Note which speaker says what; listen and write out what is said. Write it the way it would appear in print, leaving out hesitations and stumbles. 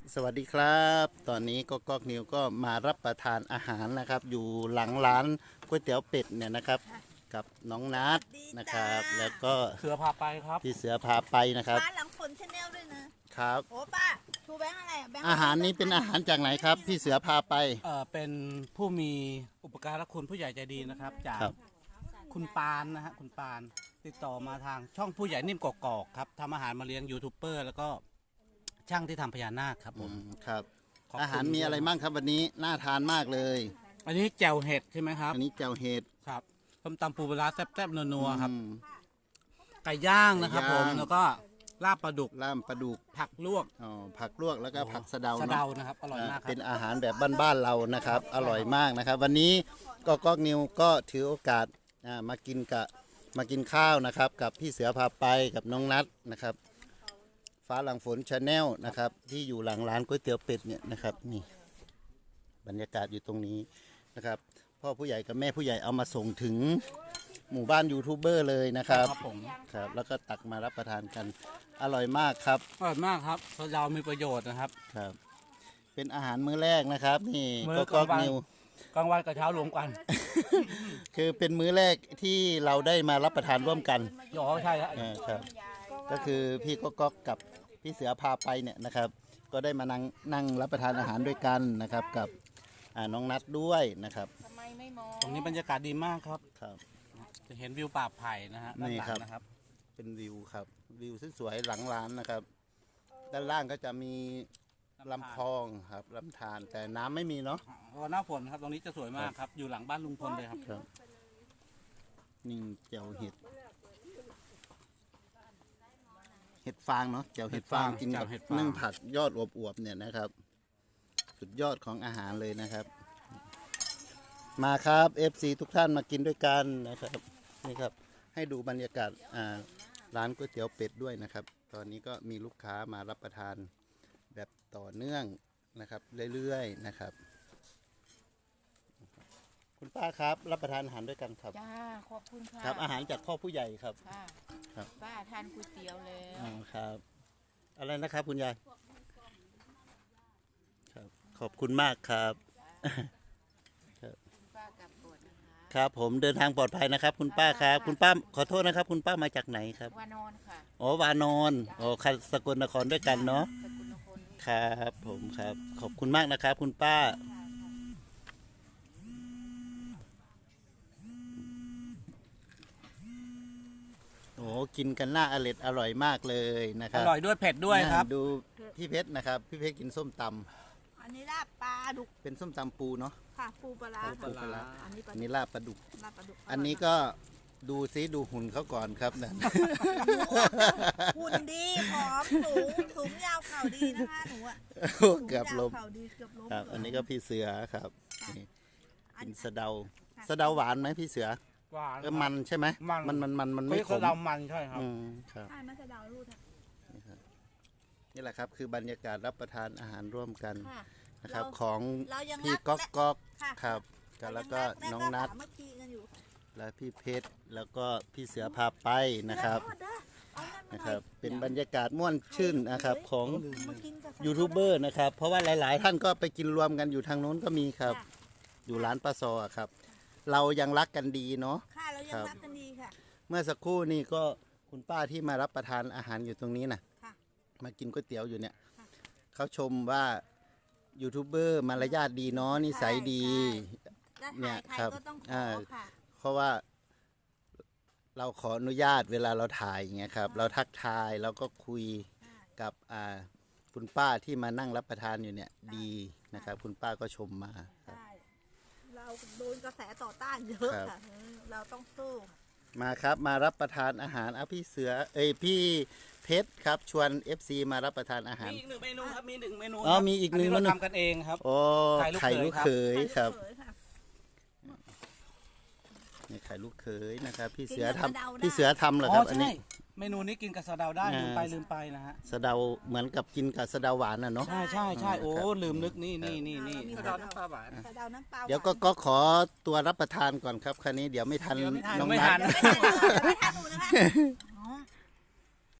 Speaker 1: สวัสดีครับตอนนี้ก็ก๊อกนิวก็มารับประทานอาหารนะครับ อยู่หลังร้านก๋วยเตี๋ยวเป็ดเนี่ยนะครับ กับน้องนัทนะครับ แล้วก็
Speaker 2: เสือพาไปครับ
Speaker 1: พี่เสือพาไปนะครับ
Speaker 3: ร้านหลังฝนชาแนลด้วยนะครับ โอ้ป้าชูแบงค์อะไรอะแบงค์
Speaker 1: อาหารนี้เป็นอาหารจากไหนครับ พี่เสือพาไป
Speaker 2: เป็นผู้มีอุปการะคุณผู้ใหญ่ใจดีนะครับ จาก
Speaker 1: ครับ
Speaker 2: คุณปานนะฮะคุณปานติดต่อมาทางช่องผู้ใหญ่นิ่มกอกๆครับทำอาหารมาเลี้ยงยูทูบเบอร์แล้วก็ช่างที่ทำพญานาคครับผม
Speaker 1: ครับ
Speaker 2: ขอบคุณ
Speaker 1: อาหารมีอะไรบ้างครับวันนี้น่าทานมากเลย
Speaker 2: อันนี้แจ่วเห็ดใช่ไหมครับ
Speaker 1: อันนี้แจ่วเห็ด
Speaker 2: ครับต้มตำปูปลาร้าแซ่บๆนัวๆครับ
Speaker 1: อืม
Speaker 2: ไก่ย่างนะครับ
Speaker 1: ไก่
Speaker 2: ผ
Speaker 1: ย่าง
Speaker 2: มแล้วก็ลาบปลาดุก
Speaker 1: ล่ามปลาดุก
Speaker 2: ผักลวก
Speaker 1: ผักลวกแล้วก็ผักสะเดา
Speaker 2: สะ
Speaker 1: เนาะ
Speaker 2: เดานะครับอร่อยมากครั
Speaker 1: เป็
Speaker 2: บ
Speaker 1: นอาหารแบบบ้านๆเรานะครับ อร่อยมากนะครับ วันนี้ก็ก๊อกนิวก็ถือโอกาสมากินข้าวนะครับ กับพี่เสือพาไปกับน้องนัทนะครับ ฟ้าหลังฝนชาแนลนะครับ ที่อยู่หลังร้านก๋วยเตี๋ยวเป็ดเนี่ยนะครับนี่บรรยากาศอยู่ตรงนี้นะครับ พ่อผู้ใหญ่กับแม่ผู้ใหญ่เอามาส่งถึงหมู่บ้านยูทูบเบอร์เลยนะครับ
Speaker 2: ครับผม
Speaker 1: ครับแล้วก็ตักมารับประทานกันอร่อยมากครับ
Speaker 2: อร่อยมากครับสะเดามีประโยชน์นะครับ
Speaker 1: ครับ เป็นอาหารมื้อแรกนะครับ นี่
Speaker 2: มื้
Speaker 1: ก็
Speaker 2: อก
Speaker 1: ก๊
Speaker 2: ลา
Speaker 1: อง ก
Speaker 2: วัน
Speaker 1: นิว
Speaker 2: กลางวันกับเช้ารวมกัน
Speaker 1: คือเป็นมื้อแรกที่เราได้มารับประทานร่วมกัน
Speaker 2: อ๋อใช่ครับ
Speaker 1: ครับก็คือพี่ก็ก๊อกกับพี่เสือพาไปเนี่ยนะครับ ก็ได้มานั่งรับประทานอาหารด้วยกันนะครับ กับน้องนัดด้วยนะครับ
Speaker 3: ทำไมไม่มอง
Speaker 2: ตรงนี้บรรยากาศดีมากครับ
Speaker 1: ครับ
Speaker 2: จะเห็นวิวป่าไผ่นะฮะด้านหลัง
Speaker 1: นี่ครับ
Speaker 2: นะครับ
Speaker 1: เป็นวิวครับวิวสวยๆหลังร้านนะครับ ด้านล่างก็จะมีลำคลองครับลำธารแต่น้ำไม่มีเนาะ
Speaker 2: เพราะว่าหน้าฝนครับตรงนี้จะสวยมากครับ อยู่หลังบ้านลุงพลเลยครับ
Speaker 1: ครับนี่เจียวเห็ดเห็ดฟางเนาะเจียวเห็ดฟางกินกับนึ่งผักยอดอวบๆเนี่ยนะครับ สุดยอดของอาหารเลยนะครับ มาครับ FC ทุกท่านมากินด้วยกันนะครับนี่ครับให้ดูบรรยากาศร้านก๋วยเตี๋ยวเป็ดด้วยนะครับ ตอนนี้ก็มีลูกค้ามารับประทานแบบต่อเนื่องนะครับเรื่อยๆนะครับ คุณป้าครับรับประทานอาหารด้วยกันครับ
Speaker 3: จ้าขอบคุณค่ะ
Speaker 1: ครับ อาหารจากพ่อผู้ใหญ่ครับ
Speaker 3: ค่ะ
Speaker 1: ครับ
Speaker 3: ป้าทานก๋วยเตี๋ยวแล้ว
Speaker 1: อ๋อครับอะไรนะครับคุณยายครับขอบคุณมากครับ
Speaker 3: ป้ากลับก่อนนะคะ
Speaker 1: ครับผมเดินทางปลอดภัยนะครับ คุณป้าครับ คุณป้าขอโทษนะครับ คุณป้ามาจากไหนครับ
Speaker 3: วานอนค่ะ
Speaker 1: อ๋อวานอนอ๋อสกลนครด้วยกันเนาะ
Speaker 3: สกุลนคร
Speaker 1: ครับผมครับ ขอบคุณมากนะครับ คุณป้าโอ้กินกันน่าอร่อยมากเลยนะค
Speaker 2: อ
Speaker 1: รับ
Speaker 2: ร่อยด้วยเผ็ดด้วยครับ
Speaker 1: ดูพี่เพชรนะครับ พี่เพชรกินส้มตำ
Speaker 3: อันนี้ลาบปลาดุก
Speaker 1: เป็นส้มตำปูเนาะ
Speaker 3: ค่ะปูปลาร้า
Speaker 1: ปูปลาร้า
Speaker 3: อันนี้ปลา
Speaker 1: อันนี้ลาบปลาดุก
Speaker 3: ลาบปลาดุก
Speaker 1: อันนี้ก็ดูซิดูหุ่นเขาก่อนครับนั่น
Speaker 3: หุ่นดีผอมสูงยาวเข่าดีนะคะหนูอะ
Speaker 1: เกือบล้ม
Speaker 3: สูงยาวเข่าดีเกือบล้ม
Speaker 1: ครับ อันนี้ก็พี่เสือครับนี่
Speaker 3: อัน
Speaker 1: กินสะเดาสะเดาหวานไหมพี่เสือ
Speaker 2: หวาน
Speaker 1: มันใช่ไหม
Speaker 2: มัน
Speaker 1: มัน
Speaker 2: ไม่
Speaker 1: ไม่ข
Speaker 2: ขม
Speaker 1: ม
Speaker 2: เรามันใช่ครับ
Speaker 1: อืมครับ
Speaker 3: ใช่ไม่ใช่ดาวรูดอะ
Speaker 1: นี่แหละครับคือบรรยากาศรับประทานอาหารร่วมกัน
Speaker 3: ค่ะ
Speaker 1: นะครับ
Speaker 3: เรา
Speaker 1: ของ
Speaker 3: เรายัง
Speaker 1: พี่
Speaker 3: รัก
Speaker 1: ก๊อกก๊อก
Speaker 3: ค่ะ
Speaker 1: ครับแล้วก็น้องนัท
Speaker 3: สามัคคีกันอยู่
Speaker 1: และพี่เพชรแล้วก็พี่เสือพาไปนะครับ
Speaker 3: เอานั่นมาหน่อย
Speaker 1: นะครับ เป็นบรรยากาศม่วนชื่นนะครับของ
Speaker 3: มากินกับ
Speaker 1: ยูทูบเบอร์นะครับ เพราะว่าหลาย ๆ ท่านก็ไปกินรวมกันอยู่ทางโน้นก็มีครับ
Speaker 3: ค่ะ
Speaker 1: อยู่ร้านปลาซออะครับ เรายังรักกันดีเนาะ
Speaker 3: ค่ะเรายังรักกันดีค่ะ
Speaker 1: เมื่อสักครู่นี่ก็คุณป้าที่มารับประทานอาหารอยู่ตรงนี้นะ
Speaker 3: ค่ะ
Speaker 1: มากินก๋วยเตี๋ยวอยู่เนี่ย
Speaker 3: ค่ะ
Speaker 1: เขาชมว่ายูทูบเบอร์มารยาทดีเนาะนิสัยดี
Speaker 3: แล้ว
Speaker 1: เนี่ย
Speaker 3: ถ่ายใคร
Speaker 1: ครับ
Speaker 3: ก็ต้องขอ
Speaker 1: อ่า
Speaker 3: ค่ะ
Speaker 1: เพราะว่าเราขออนุญาตเวลาเราถ่ายอย่างเงี้ยครับ เราทักทายเราก็คุยกับคุณป้าที่มานั่งรับประทานอยู่เนี่ยดีนะครับ คุณป้าก็ชมมาครับ
Speaker 3: ใช่เราโดนกระแสต่อต้านเยอะ
Speaker 1: ครับ
Speaker 3: ค่ะเราต้องสู้
Speaker 1: มาครับมารับประทานอาหารพี่เสือพี่เพชรครับชวน FC มารับประทานอาหาร
Speaker 2: มีอีกหนึ่งเมนูครับมีหนึ่งเมนู
Speaker 1: อ๋อมีอีกหนึ่ง
Speaker 2: เรา
Speaker 1: เมนู
Speaker 2: ทำกันเองครับ
Speaker 1: โอ้
Speaker 2: ไข่
Speaker 1: ไข่
Speaker 2: ลู
Speaker 1: ลู
Speaker 2: ก
Speaker 1: ก
Speaker 2: เข
Speaker 1: เข
Speaker 2: ย
Speaker 1: ยครับ
Speaker 3: เขยค่ะ
Speaker 1: นี่ไข่ลูกเขยนะครับ พี่เสือ
Speaker 3: กินกับ
Speaker 1: ทำ
Speaker 3: สะเดาได้
Speaker 1: พี่เสือทำเหรอ
Speaker 2: อ๋
Speaker 1: ครั
Speaker 2: อบ
Speaker 1: อัน
Speaker 2: ใช่
Speaker 1: นี้
Speaker 2: เมนูนี้กินกับสะเดาได้
Speaker 1: อ่า
Speaker 2: ลืมไปนะฮะ
Speaker 1: สะเดาเหมือนกับกินกับสะเดาหวานน่ะเนาะ
Speaker 2: ใช่ใช่ใช่โอ้
Speaker 1: ครับ
Speaker 2: ลืมนึกนี่
Speaker 3: มี
Speaker 2: สะ
Speaker 3: สะ
Speaker 2: เดา
Speaker 3: เดา
Speaker 2: น้ำปลาหวาน
Speaker 3: สะเดาน้ำปลา
Speaker 1: เดี๋ยวก็ขอตัวรับประทานก่อนครับคันนี้เดี๋ยวไม่ทัน
Speaker 2: เดี๋ยวไม่ทัน
Speaker 1: น้อง
Speaker 2: ไม่
Speaker 1: นั
Speaker 2: ทั
Speaker 1: ท
Speaker 2: น
Speaker 3: ไม่ทันหนูนะคะ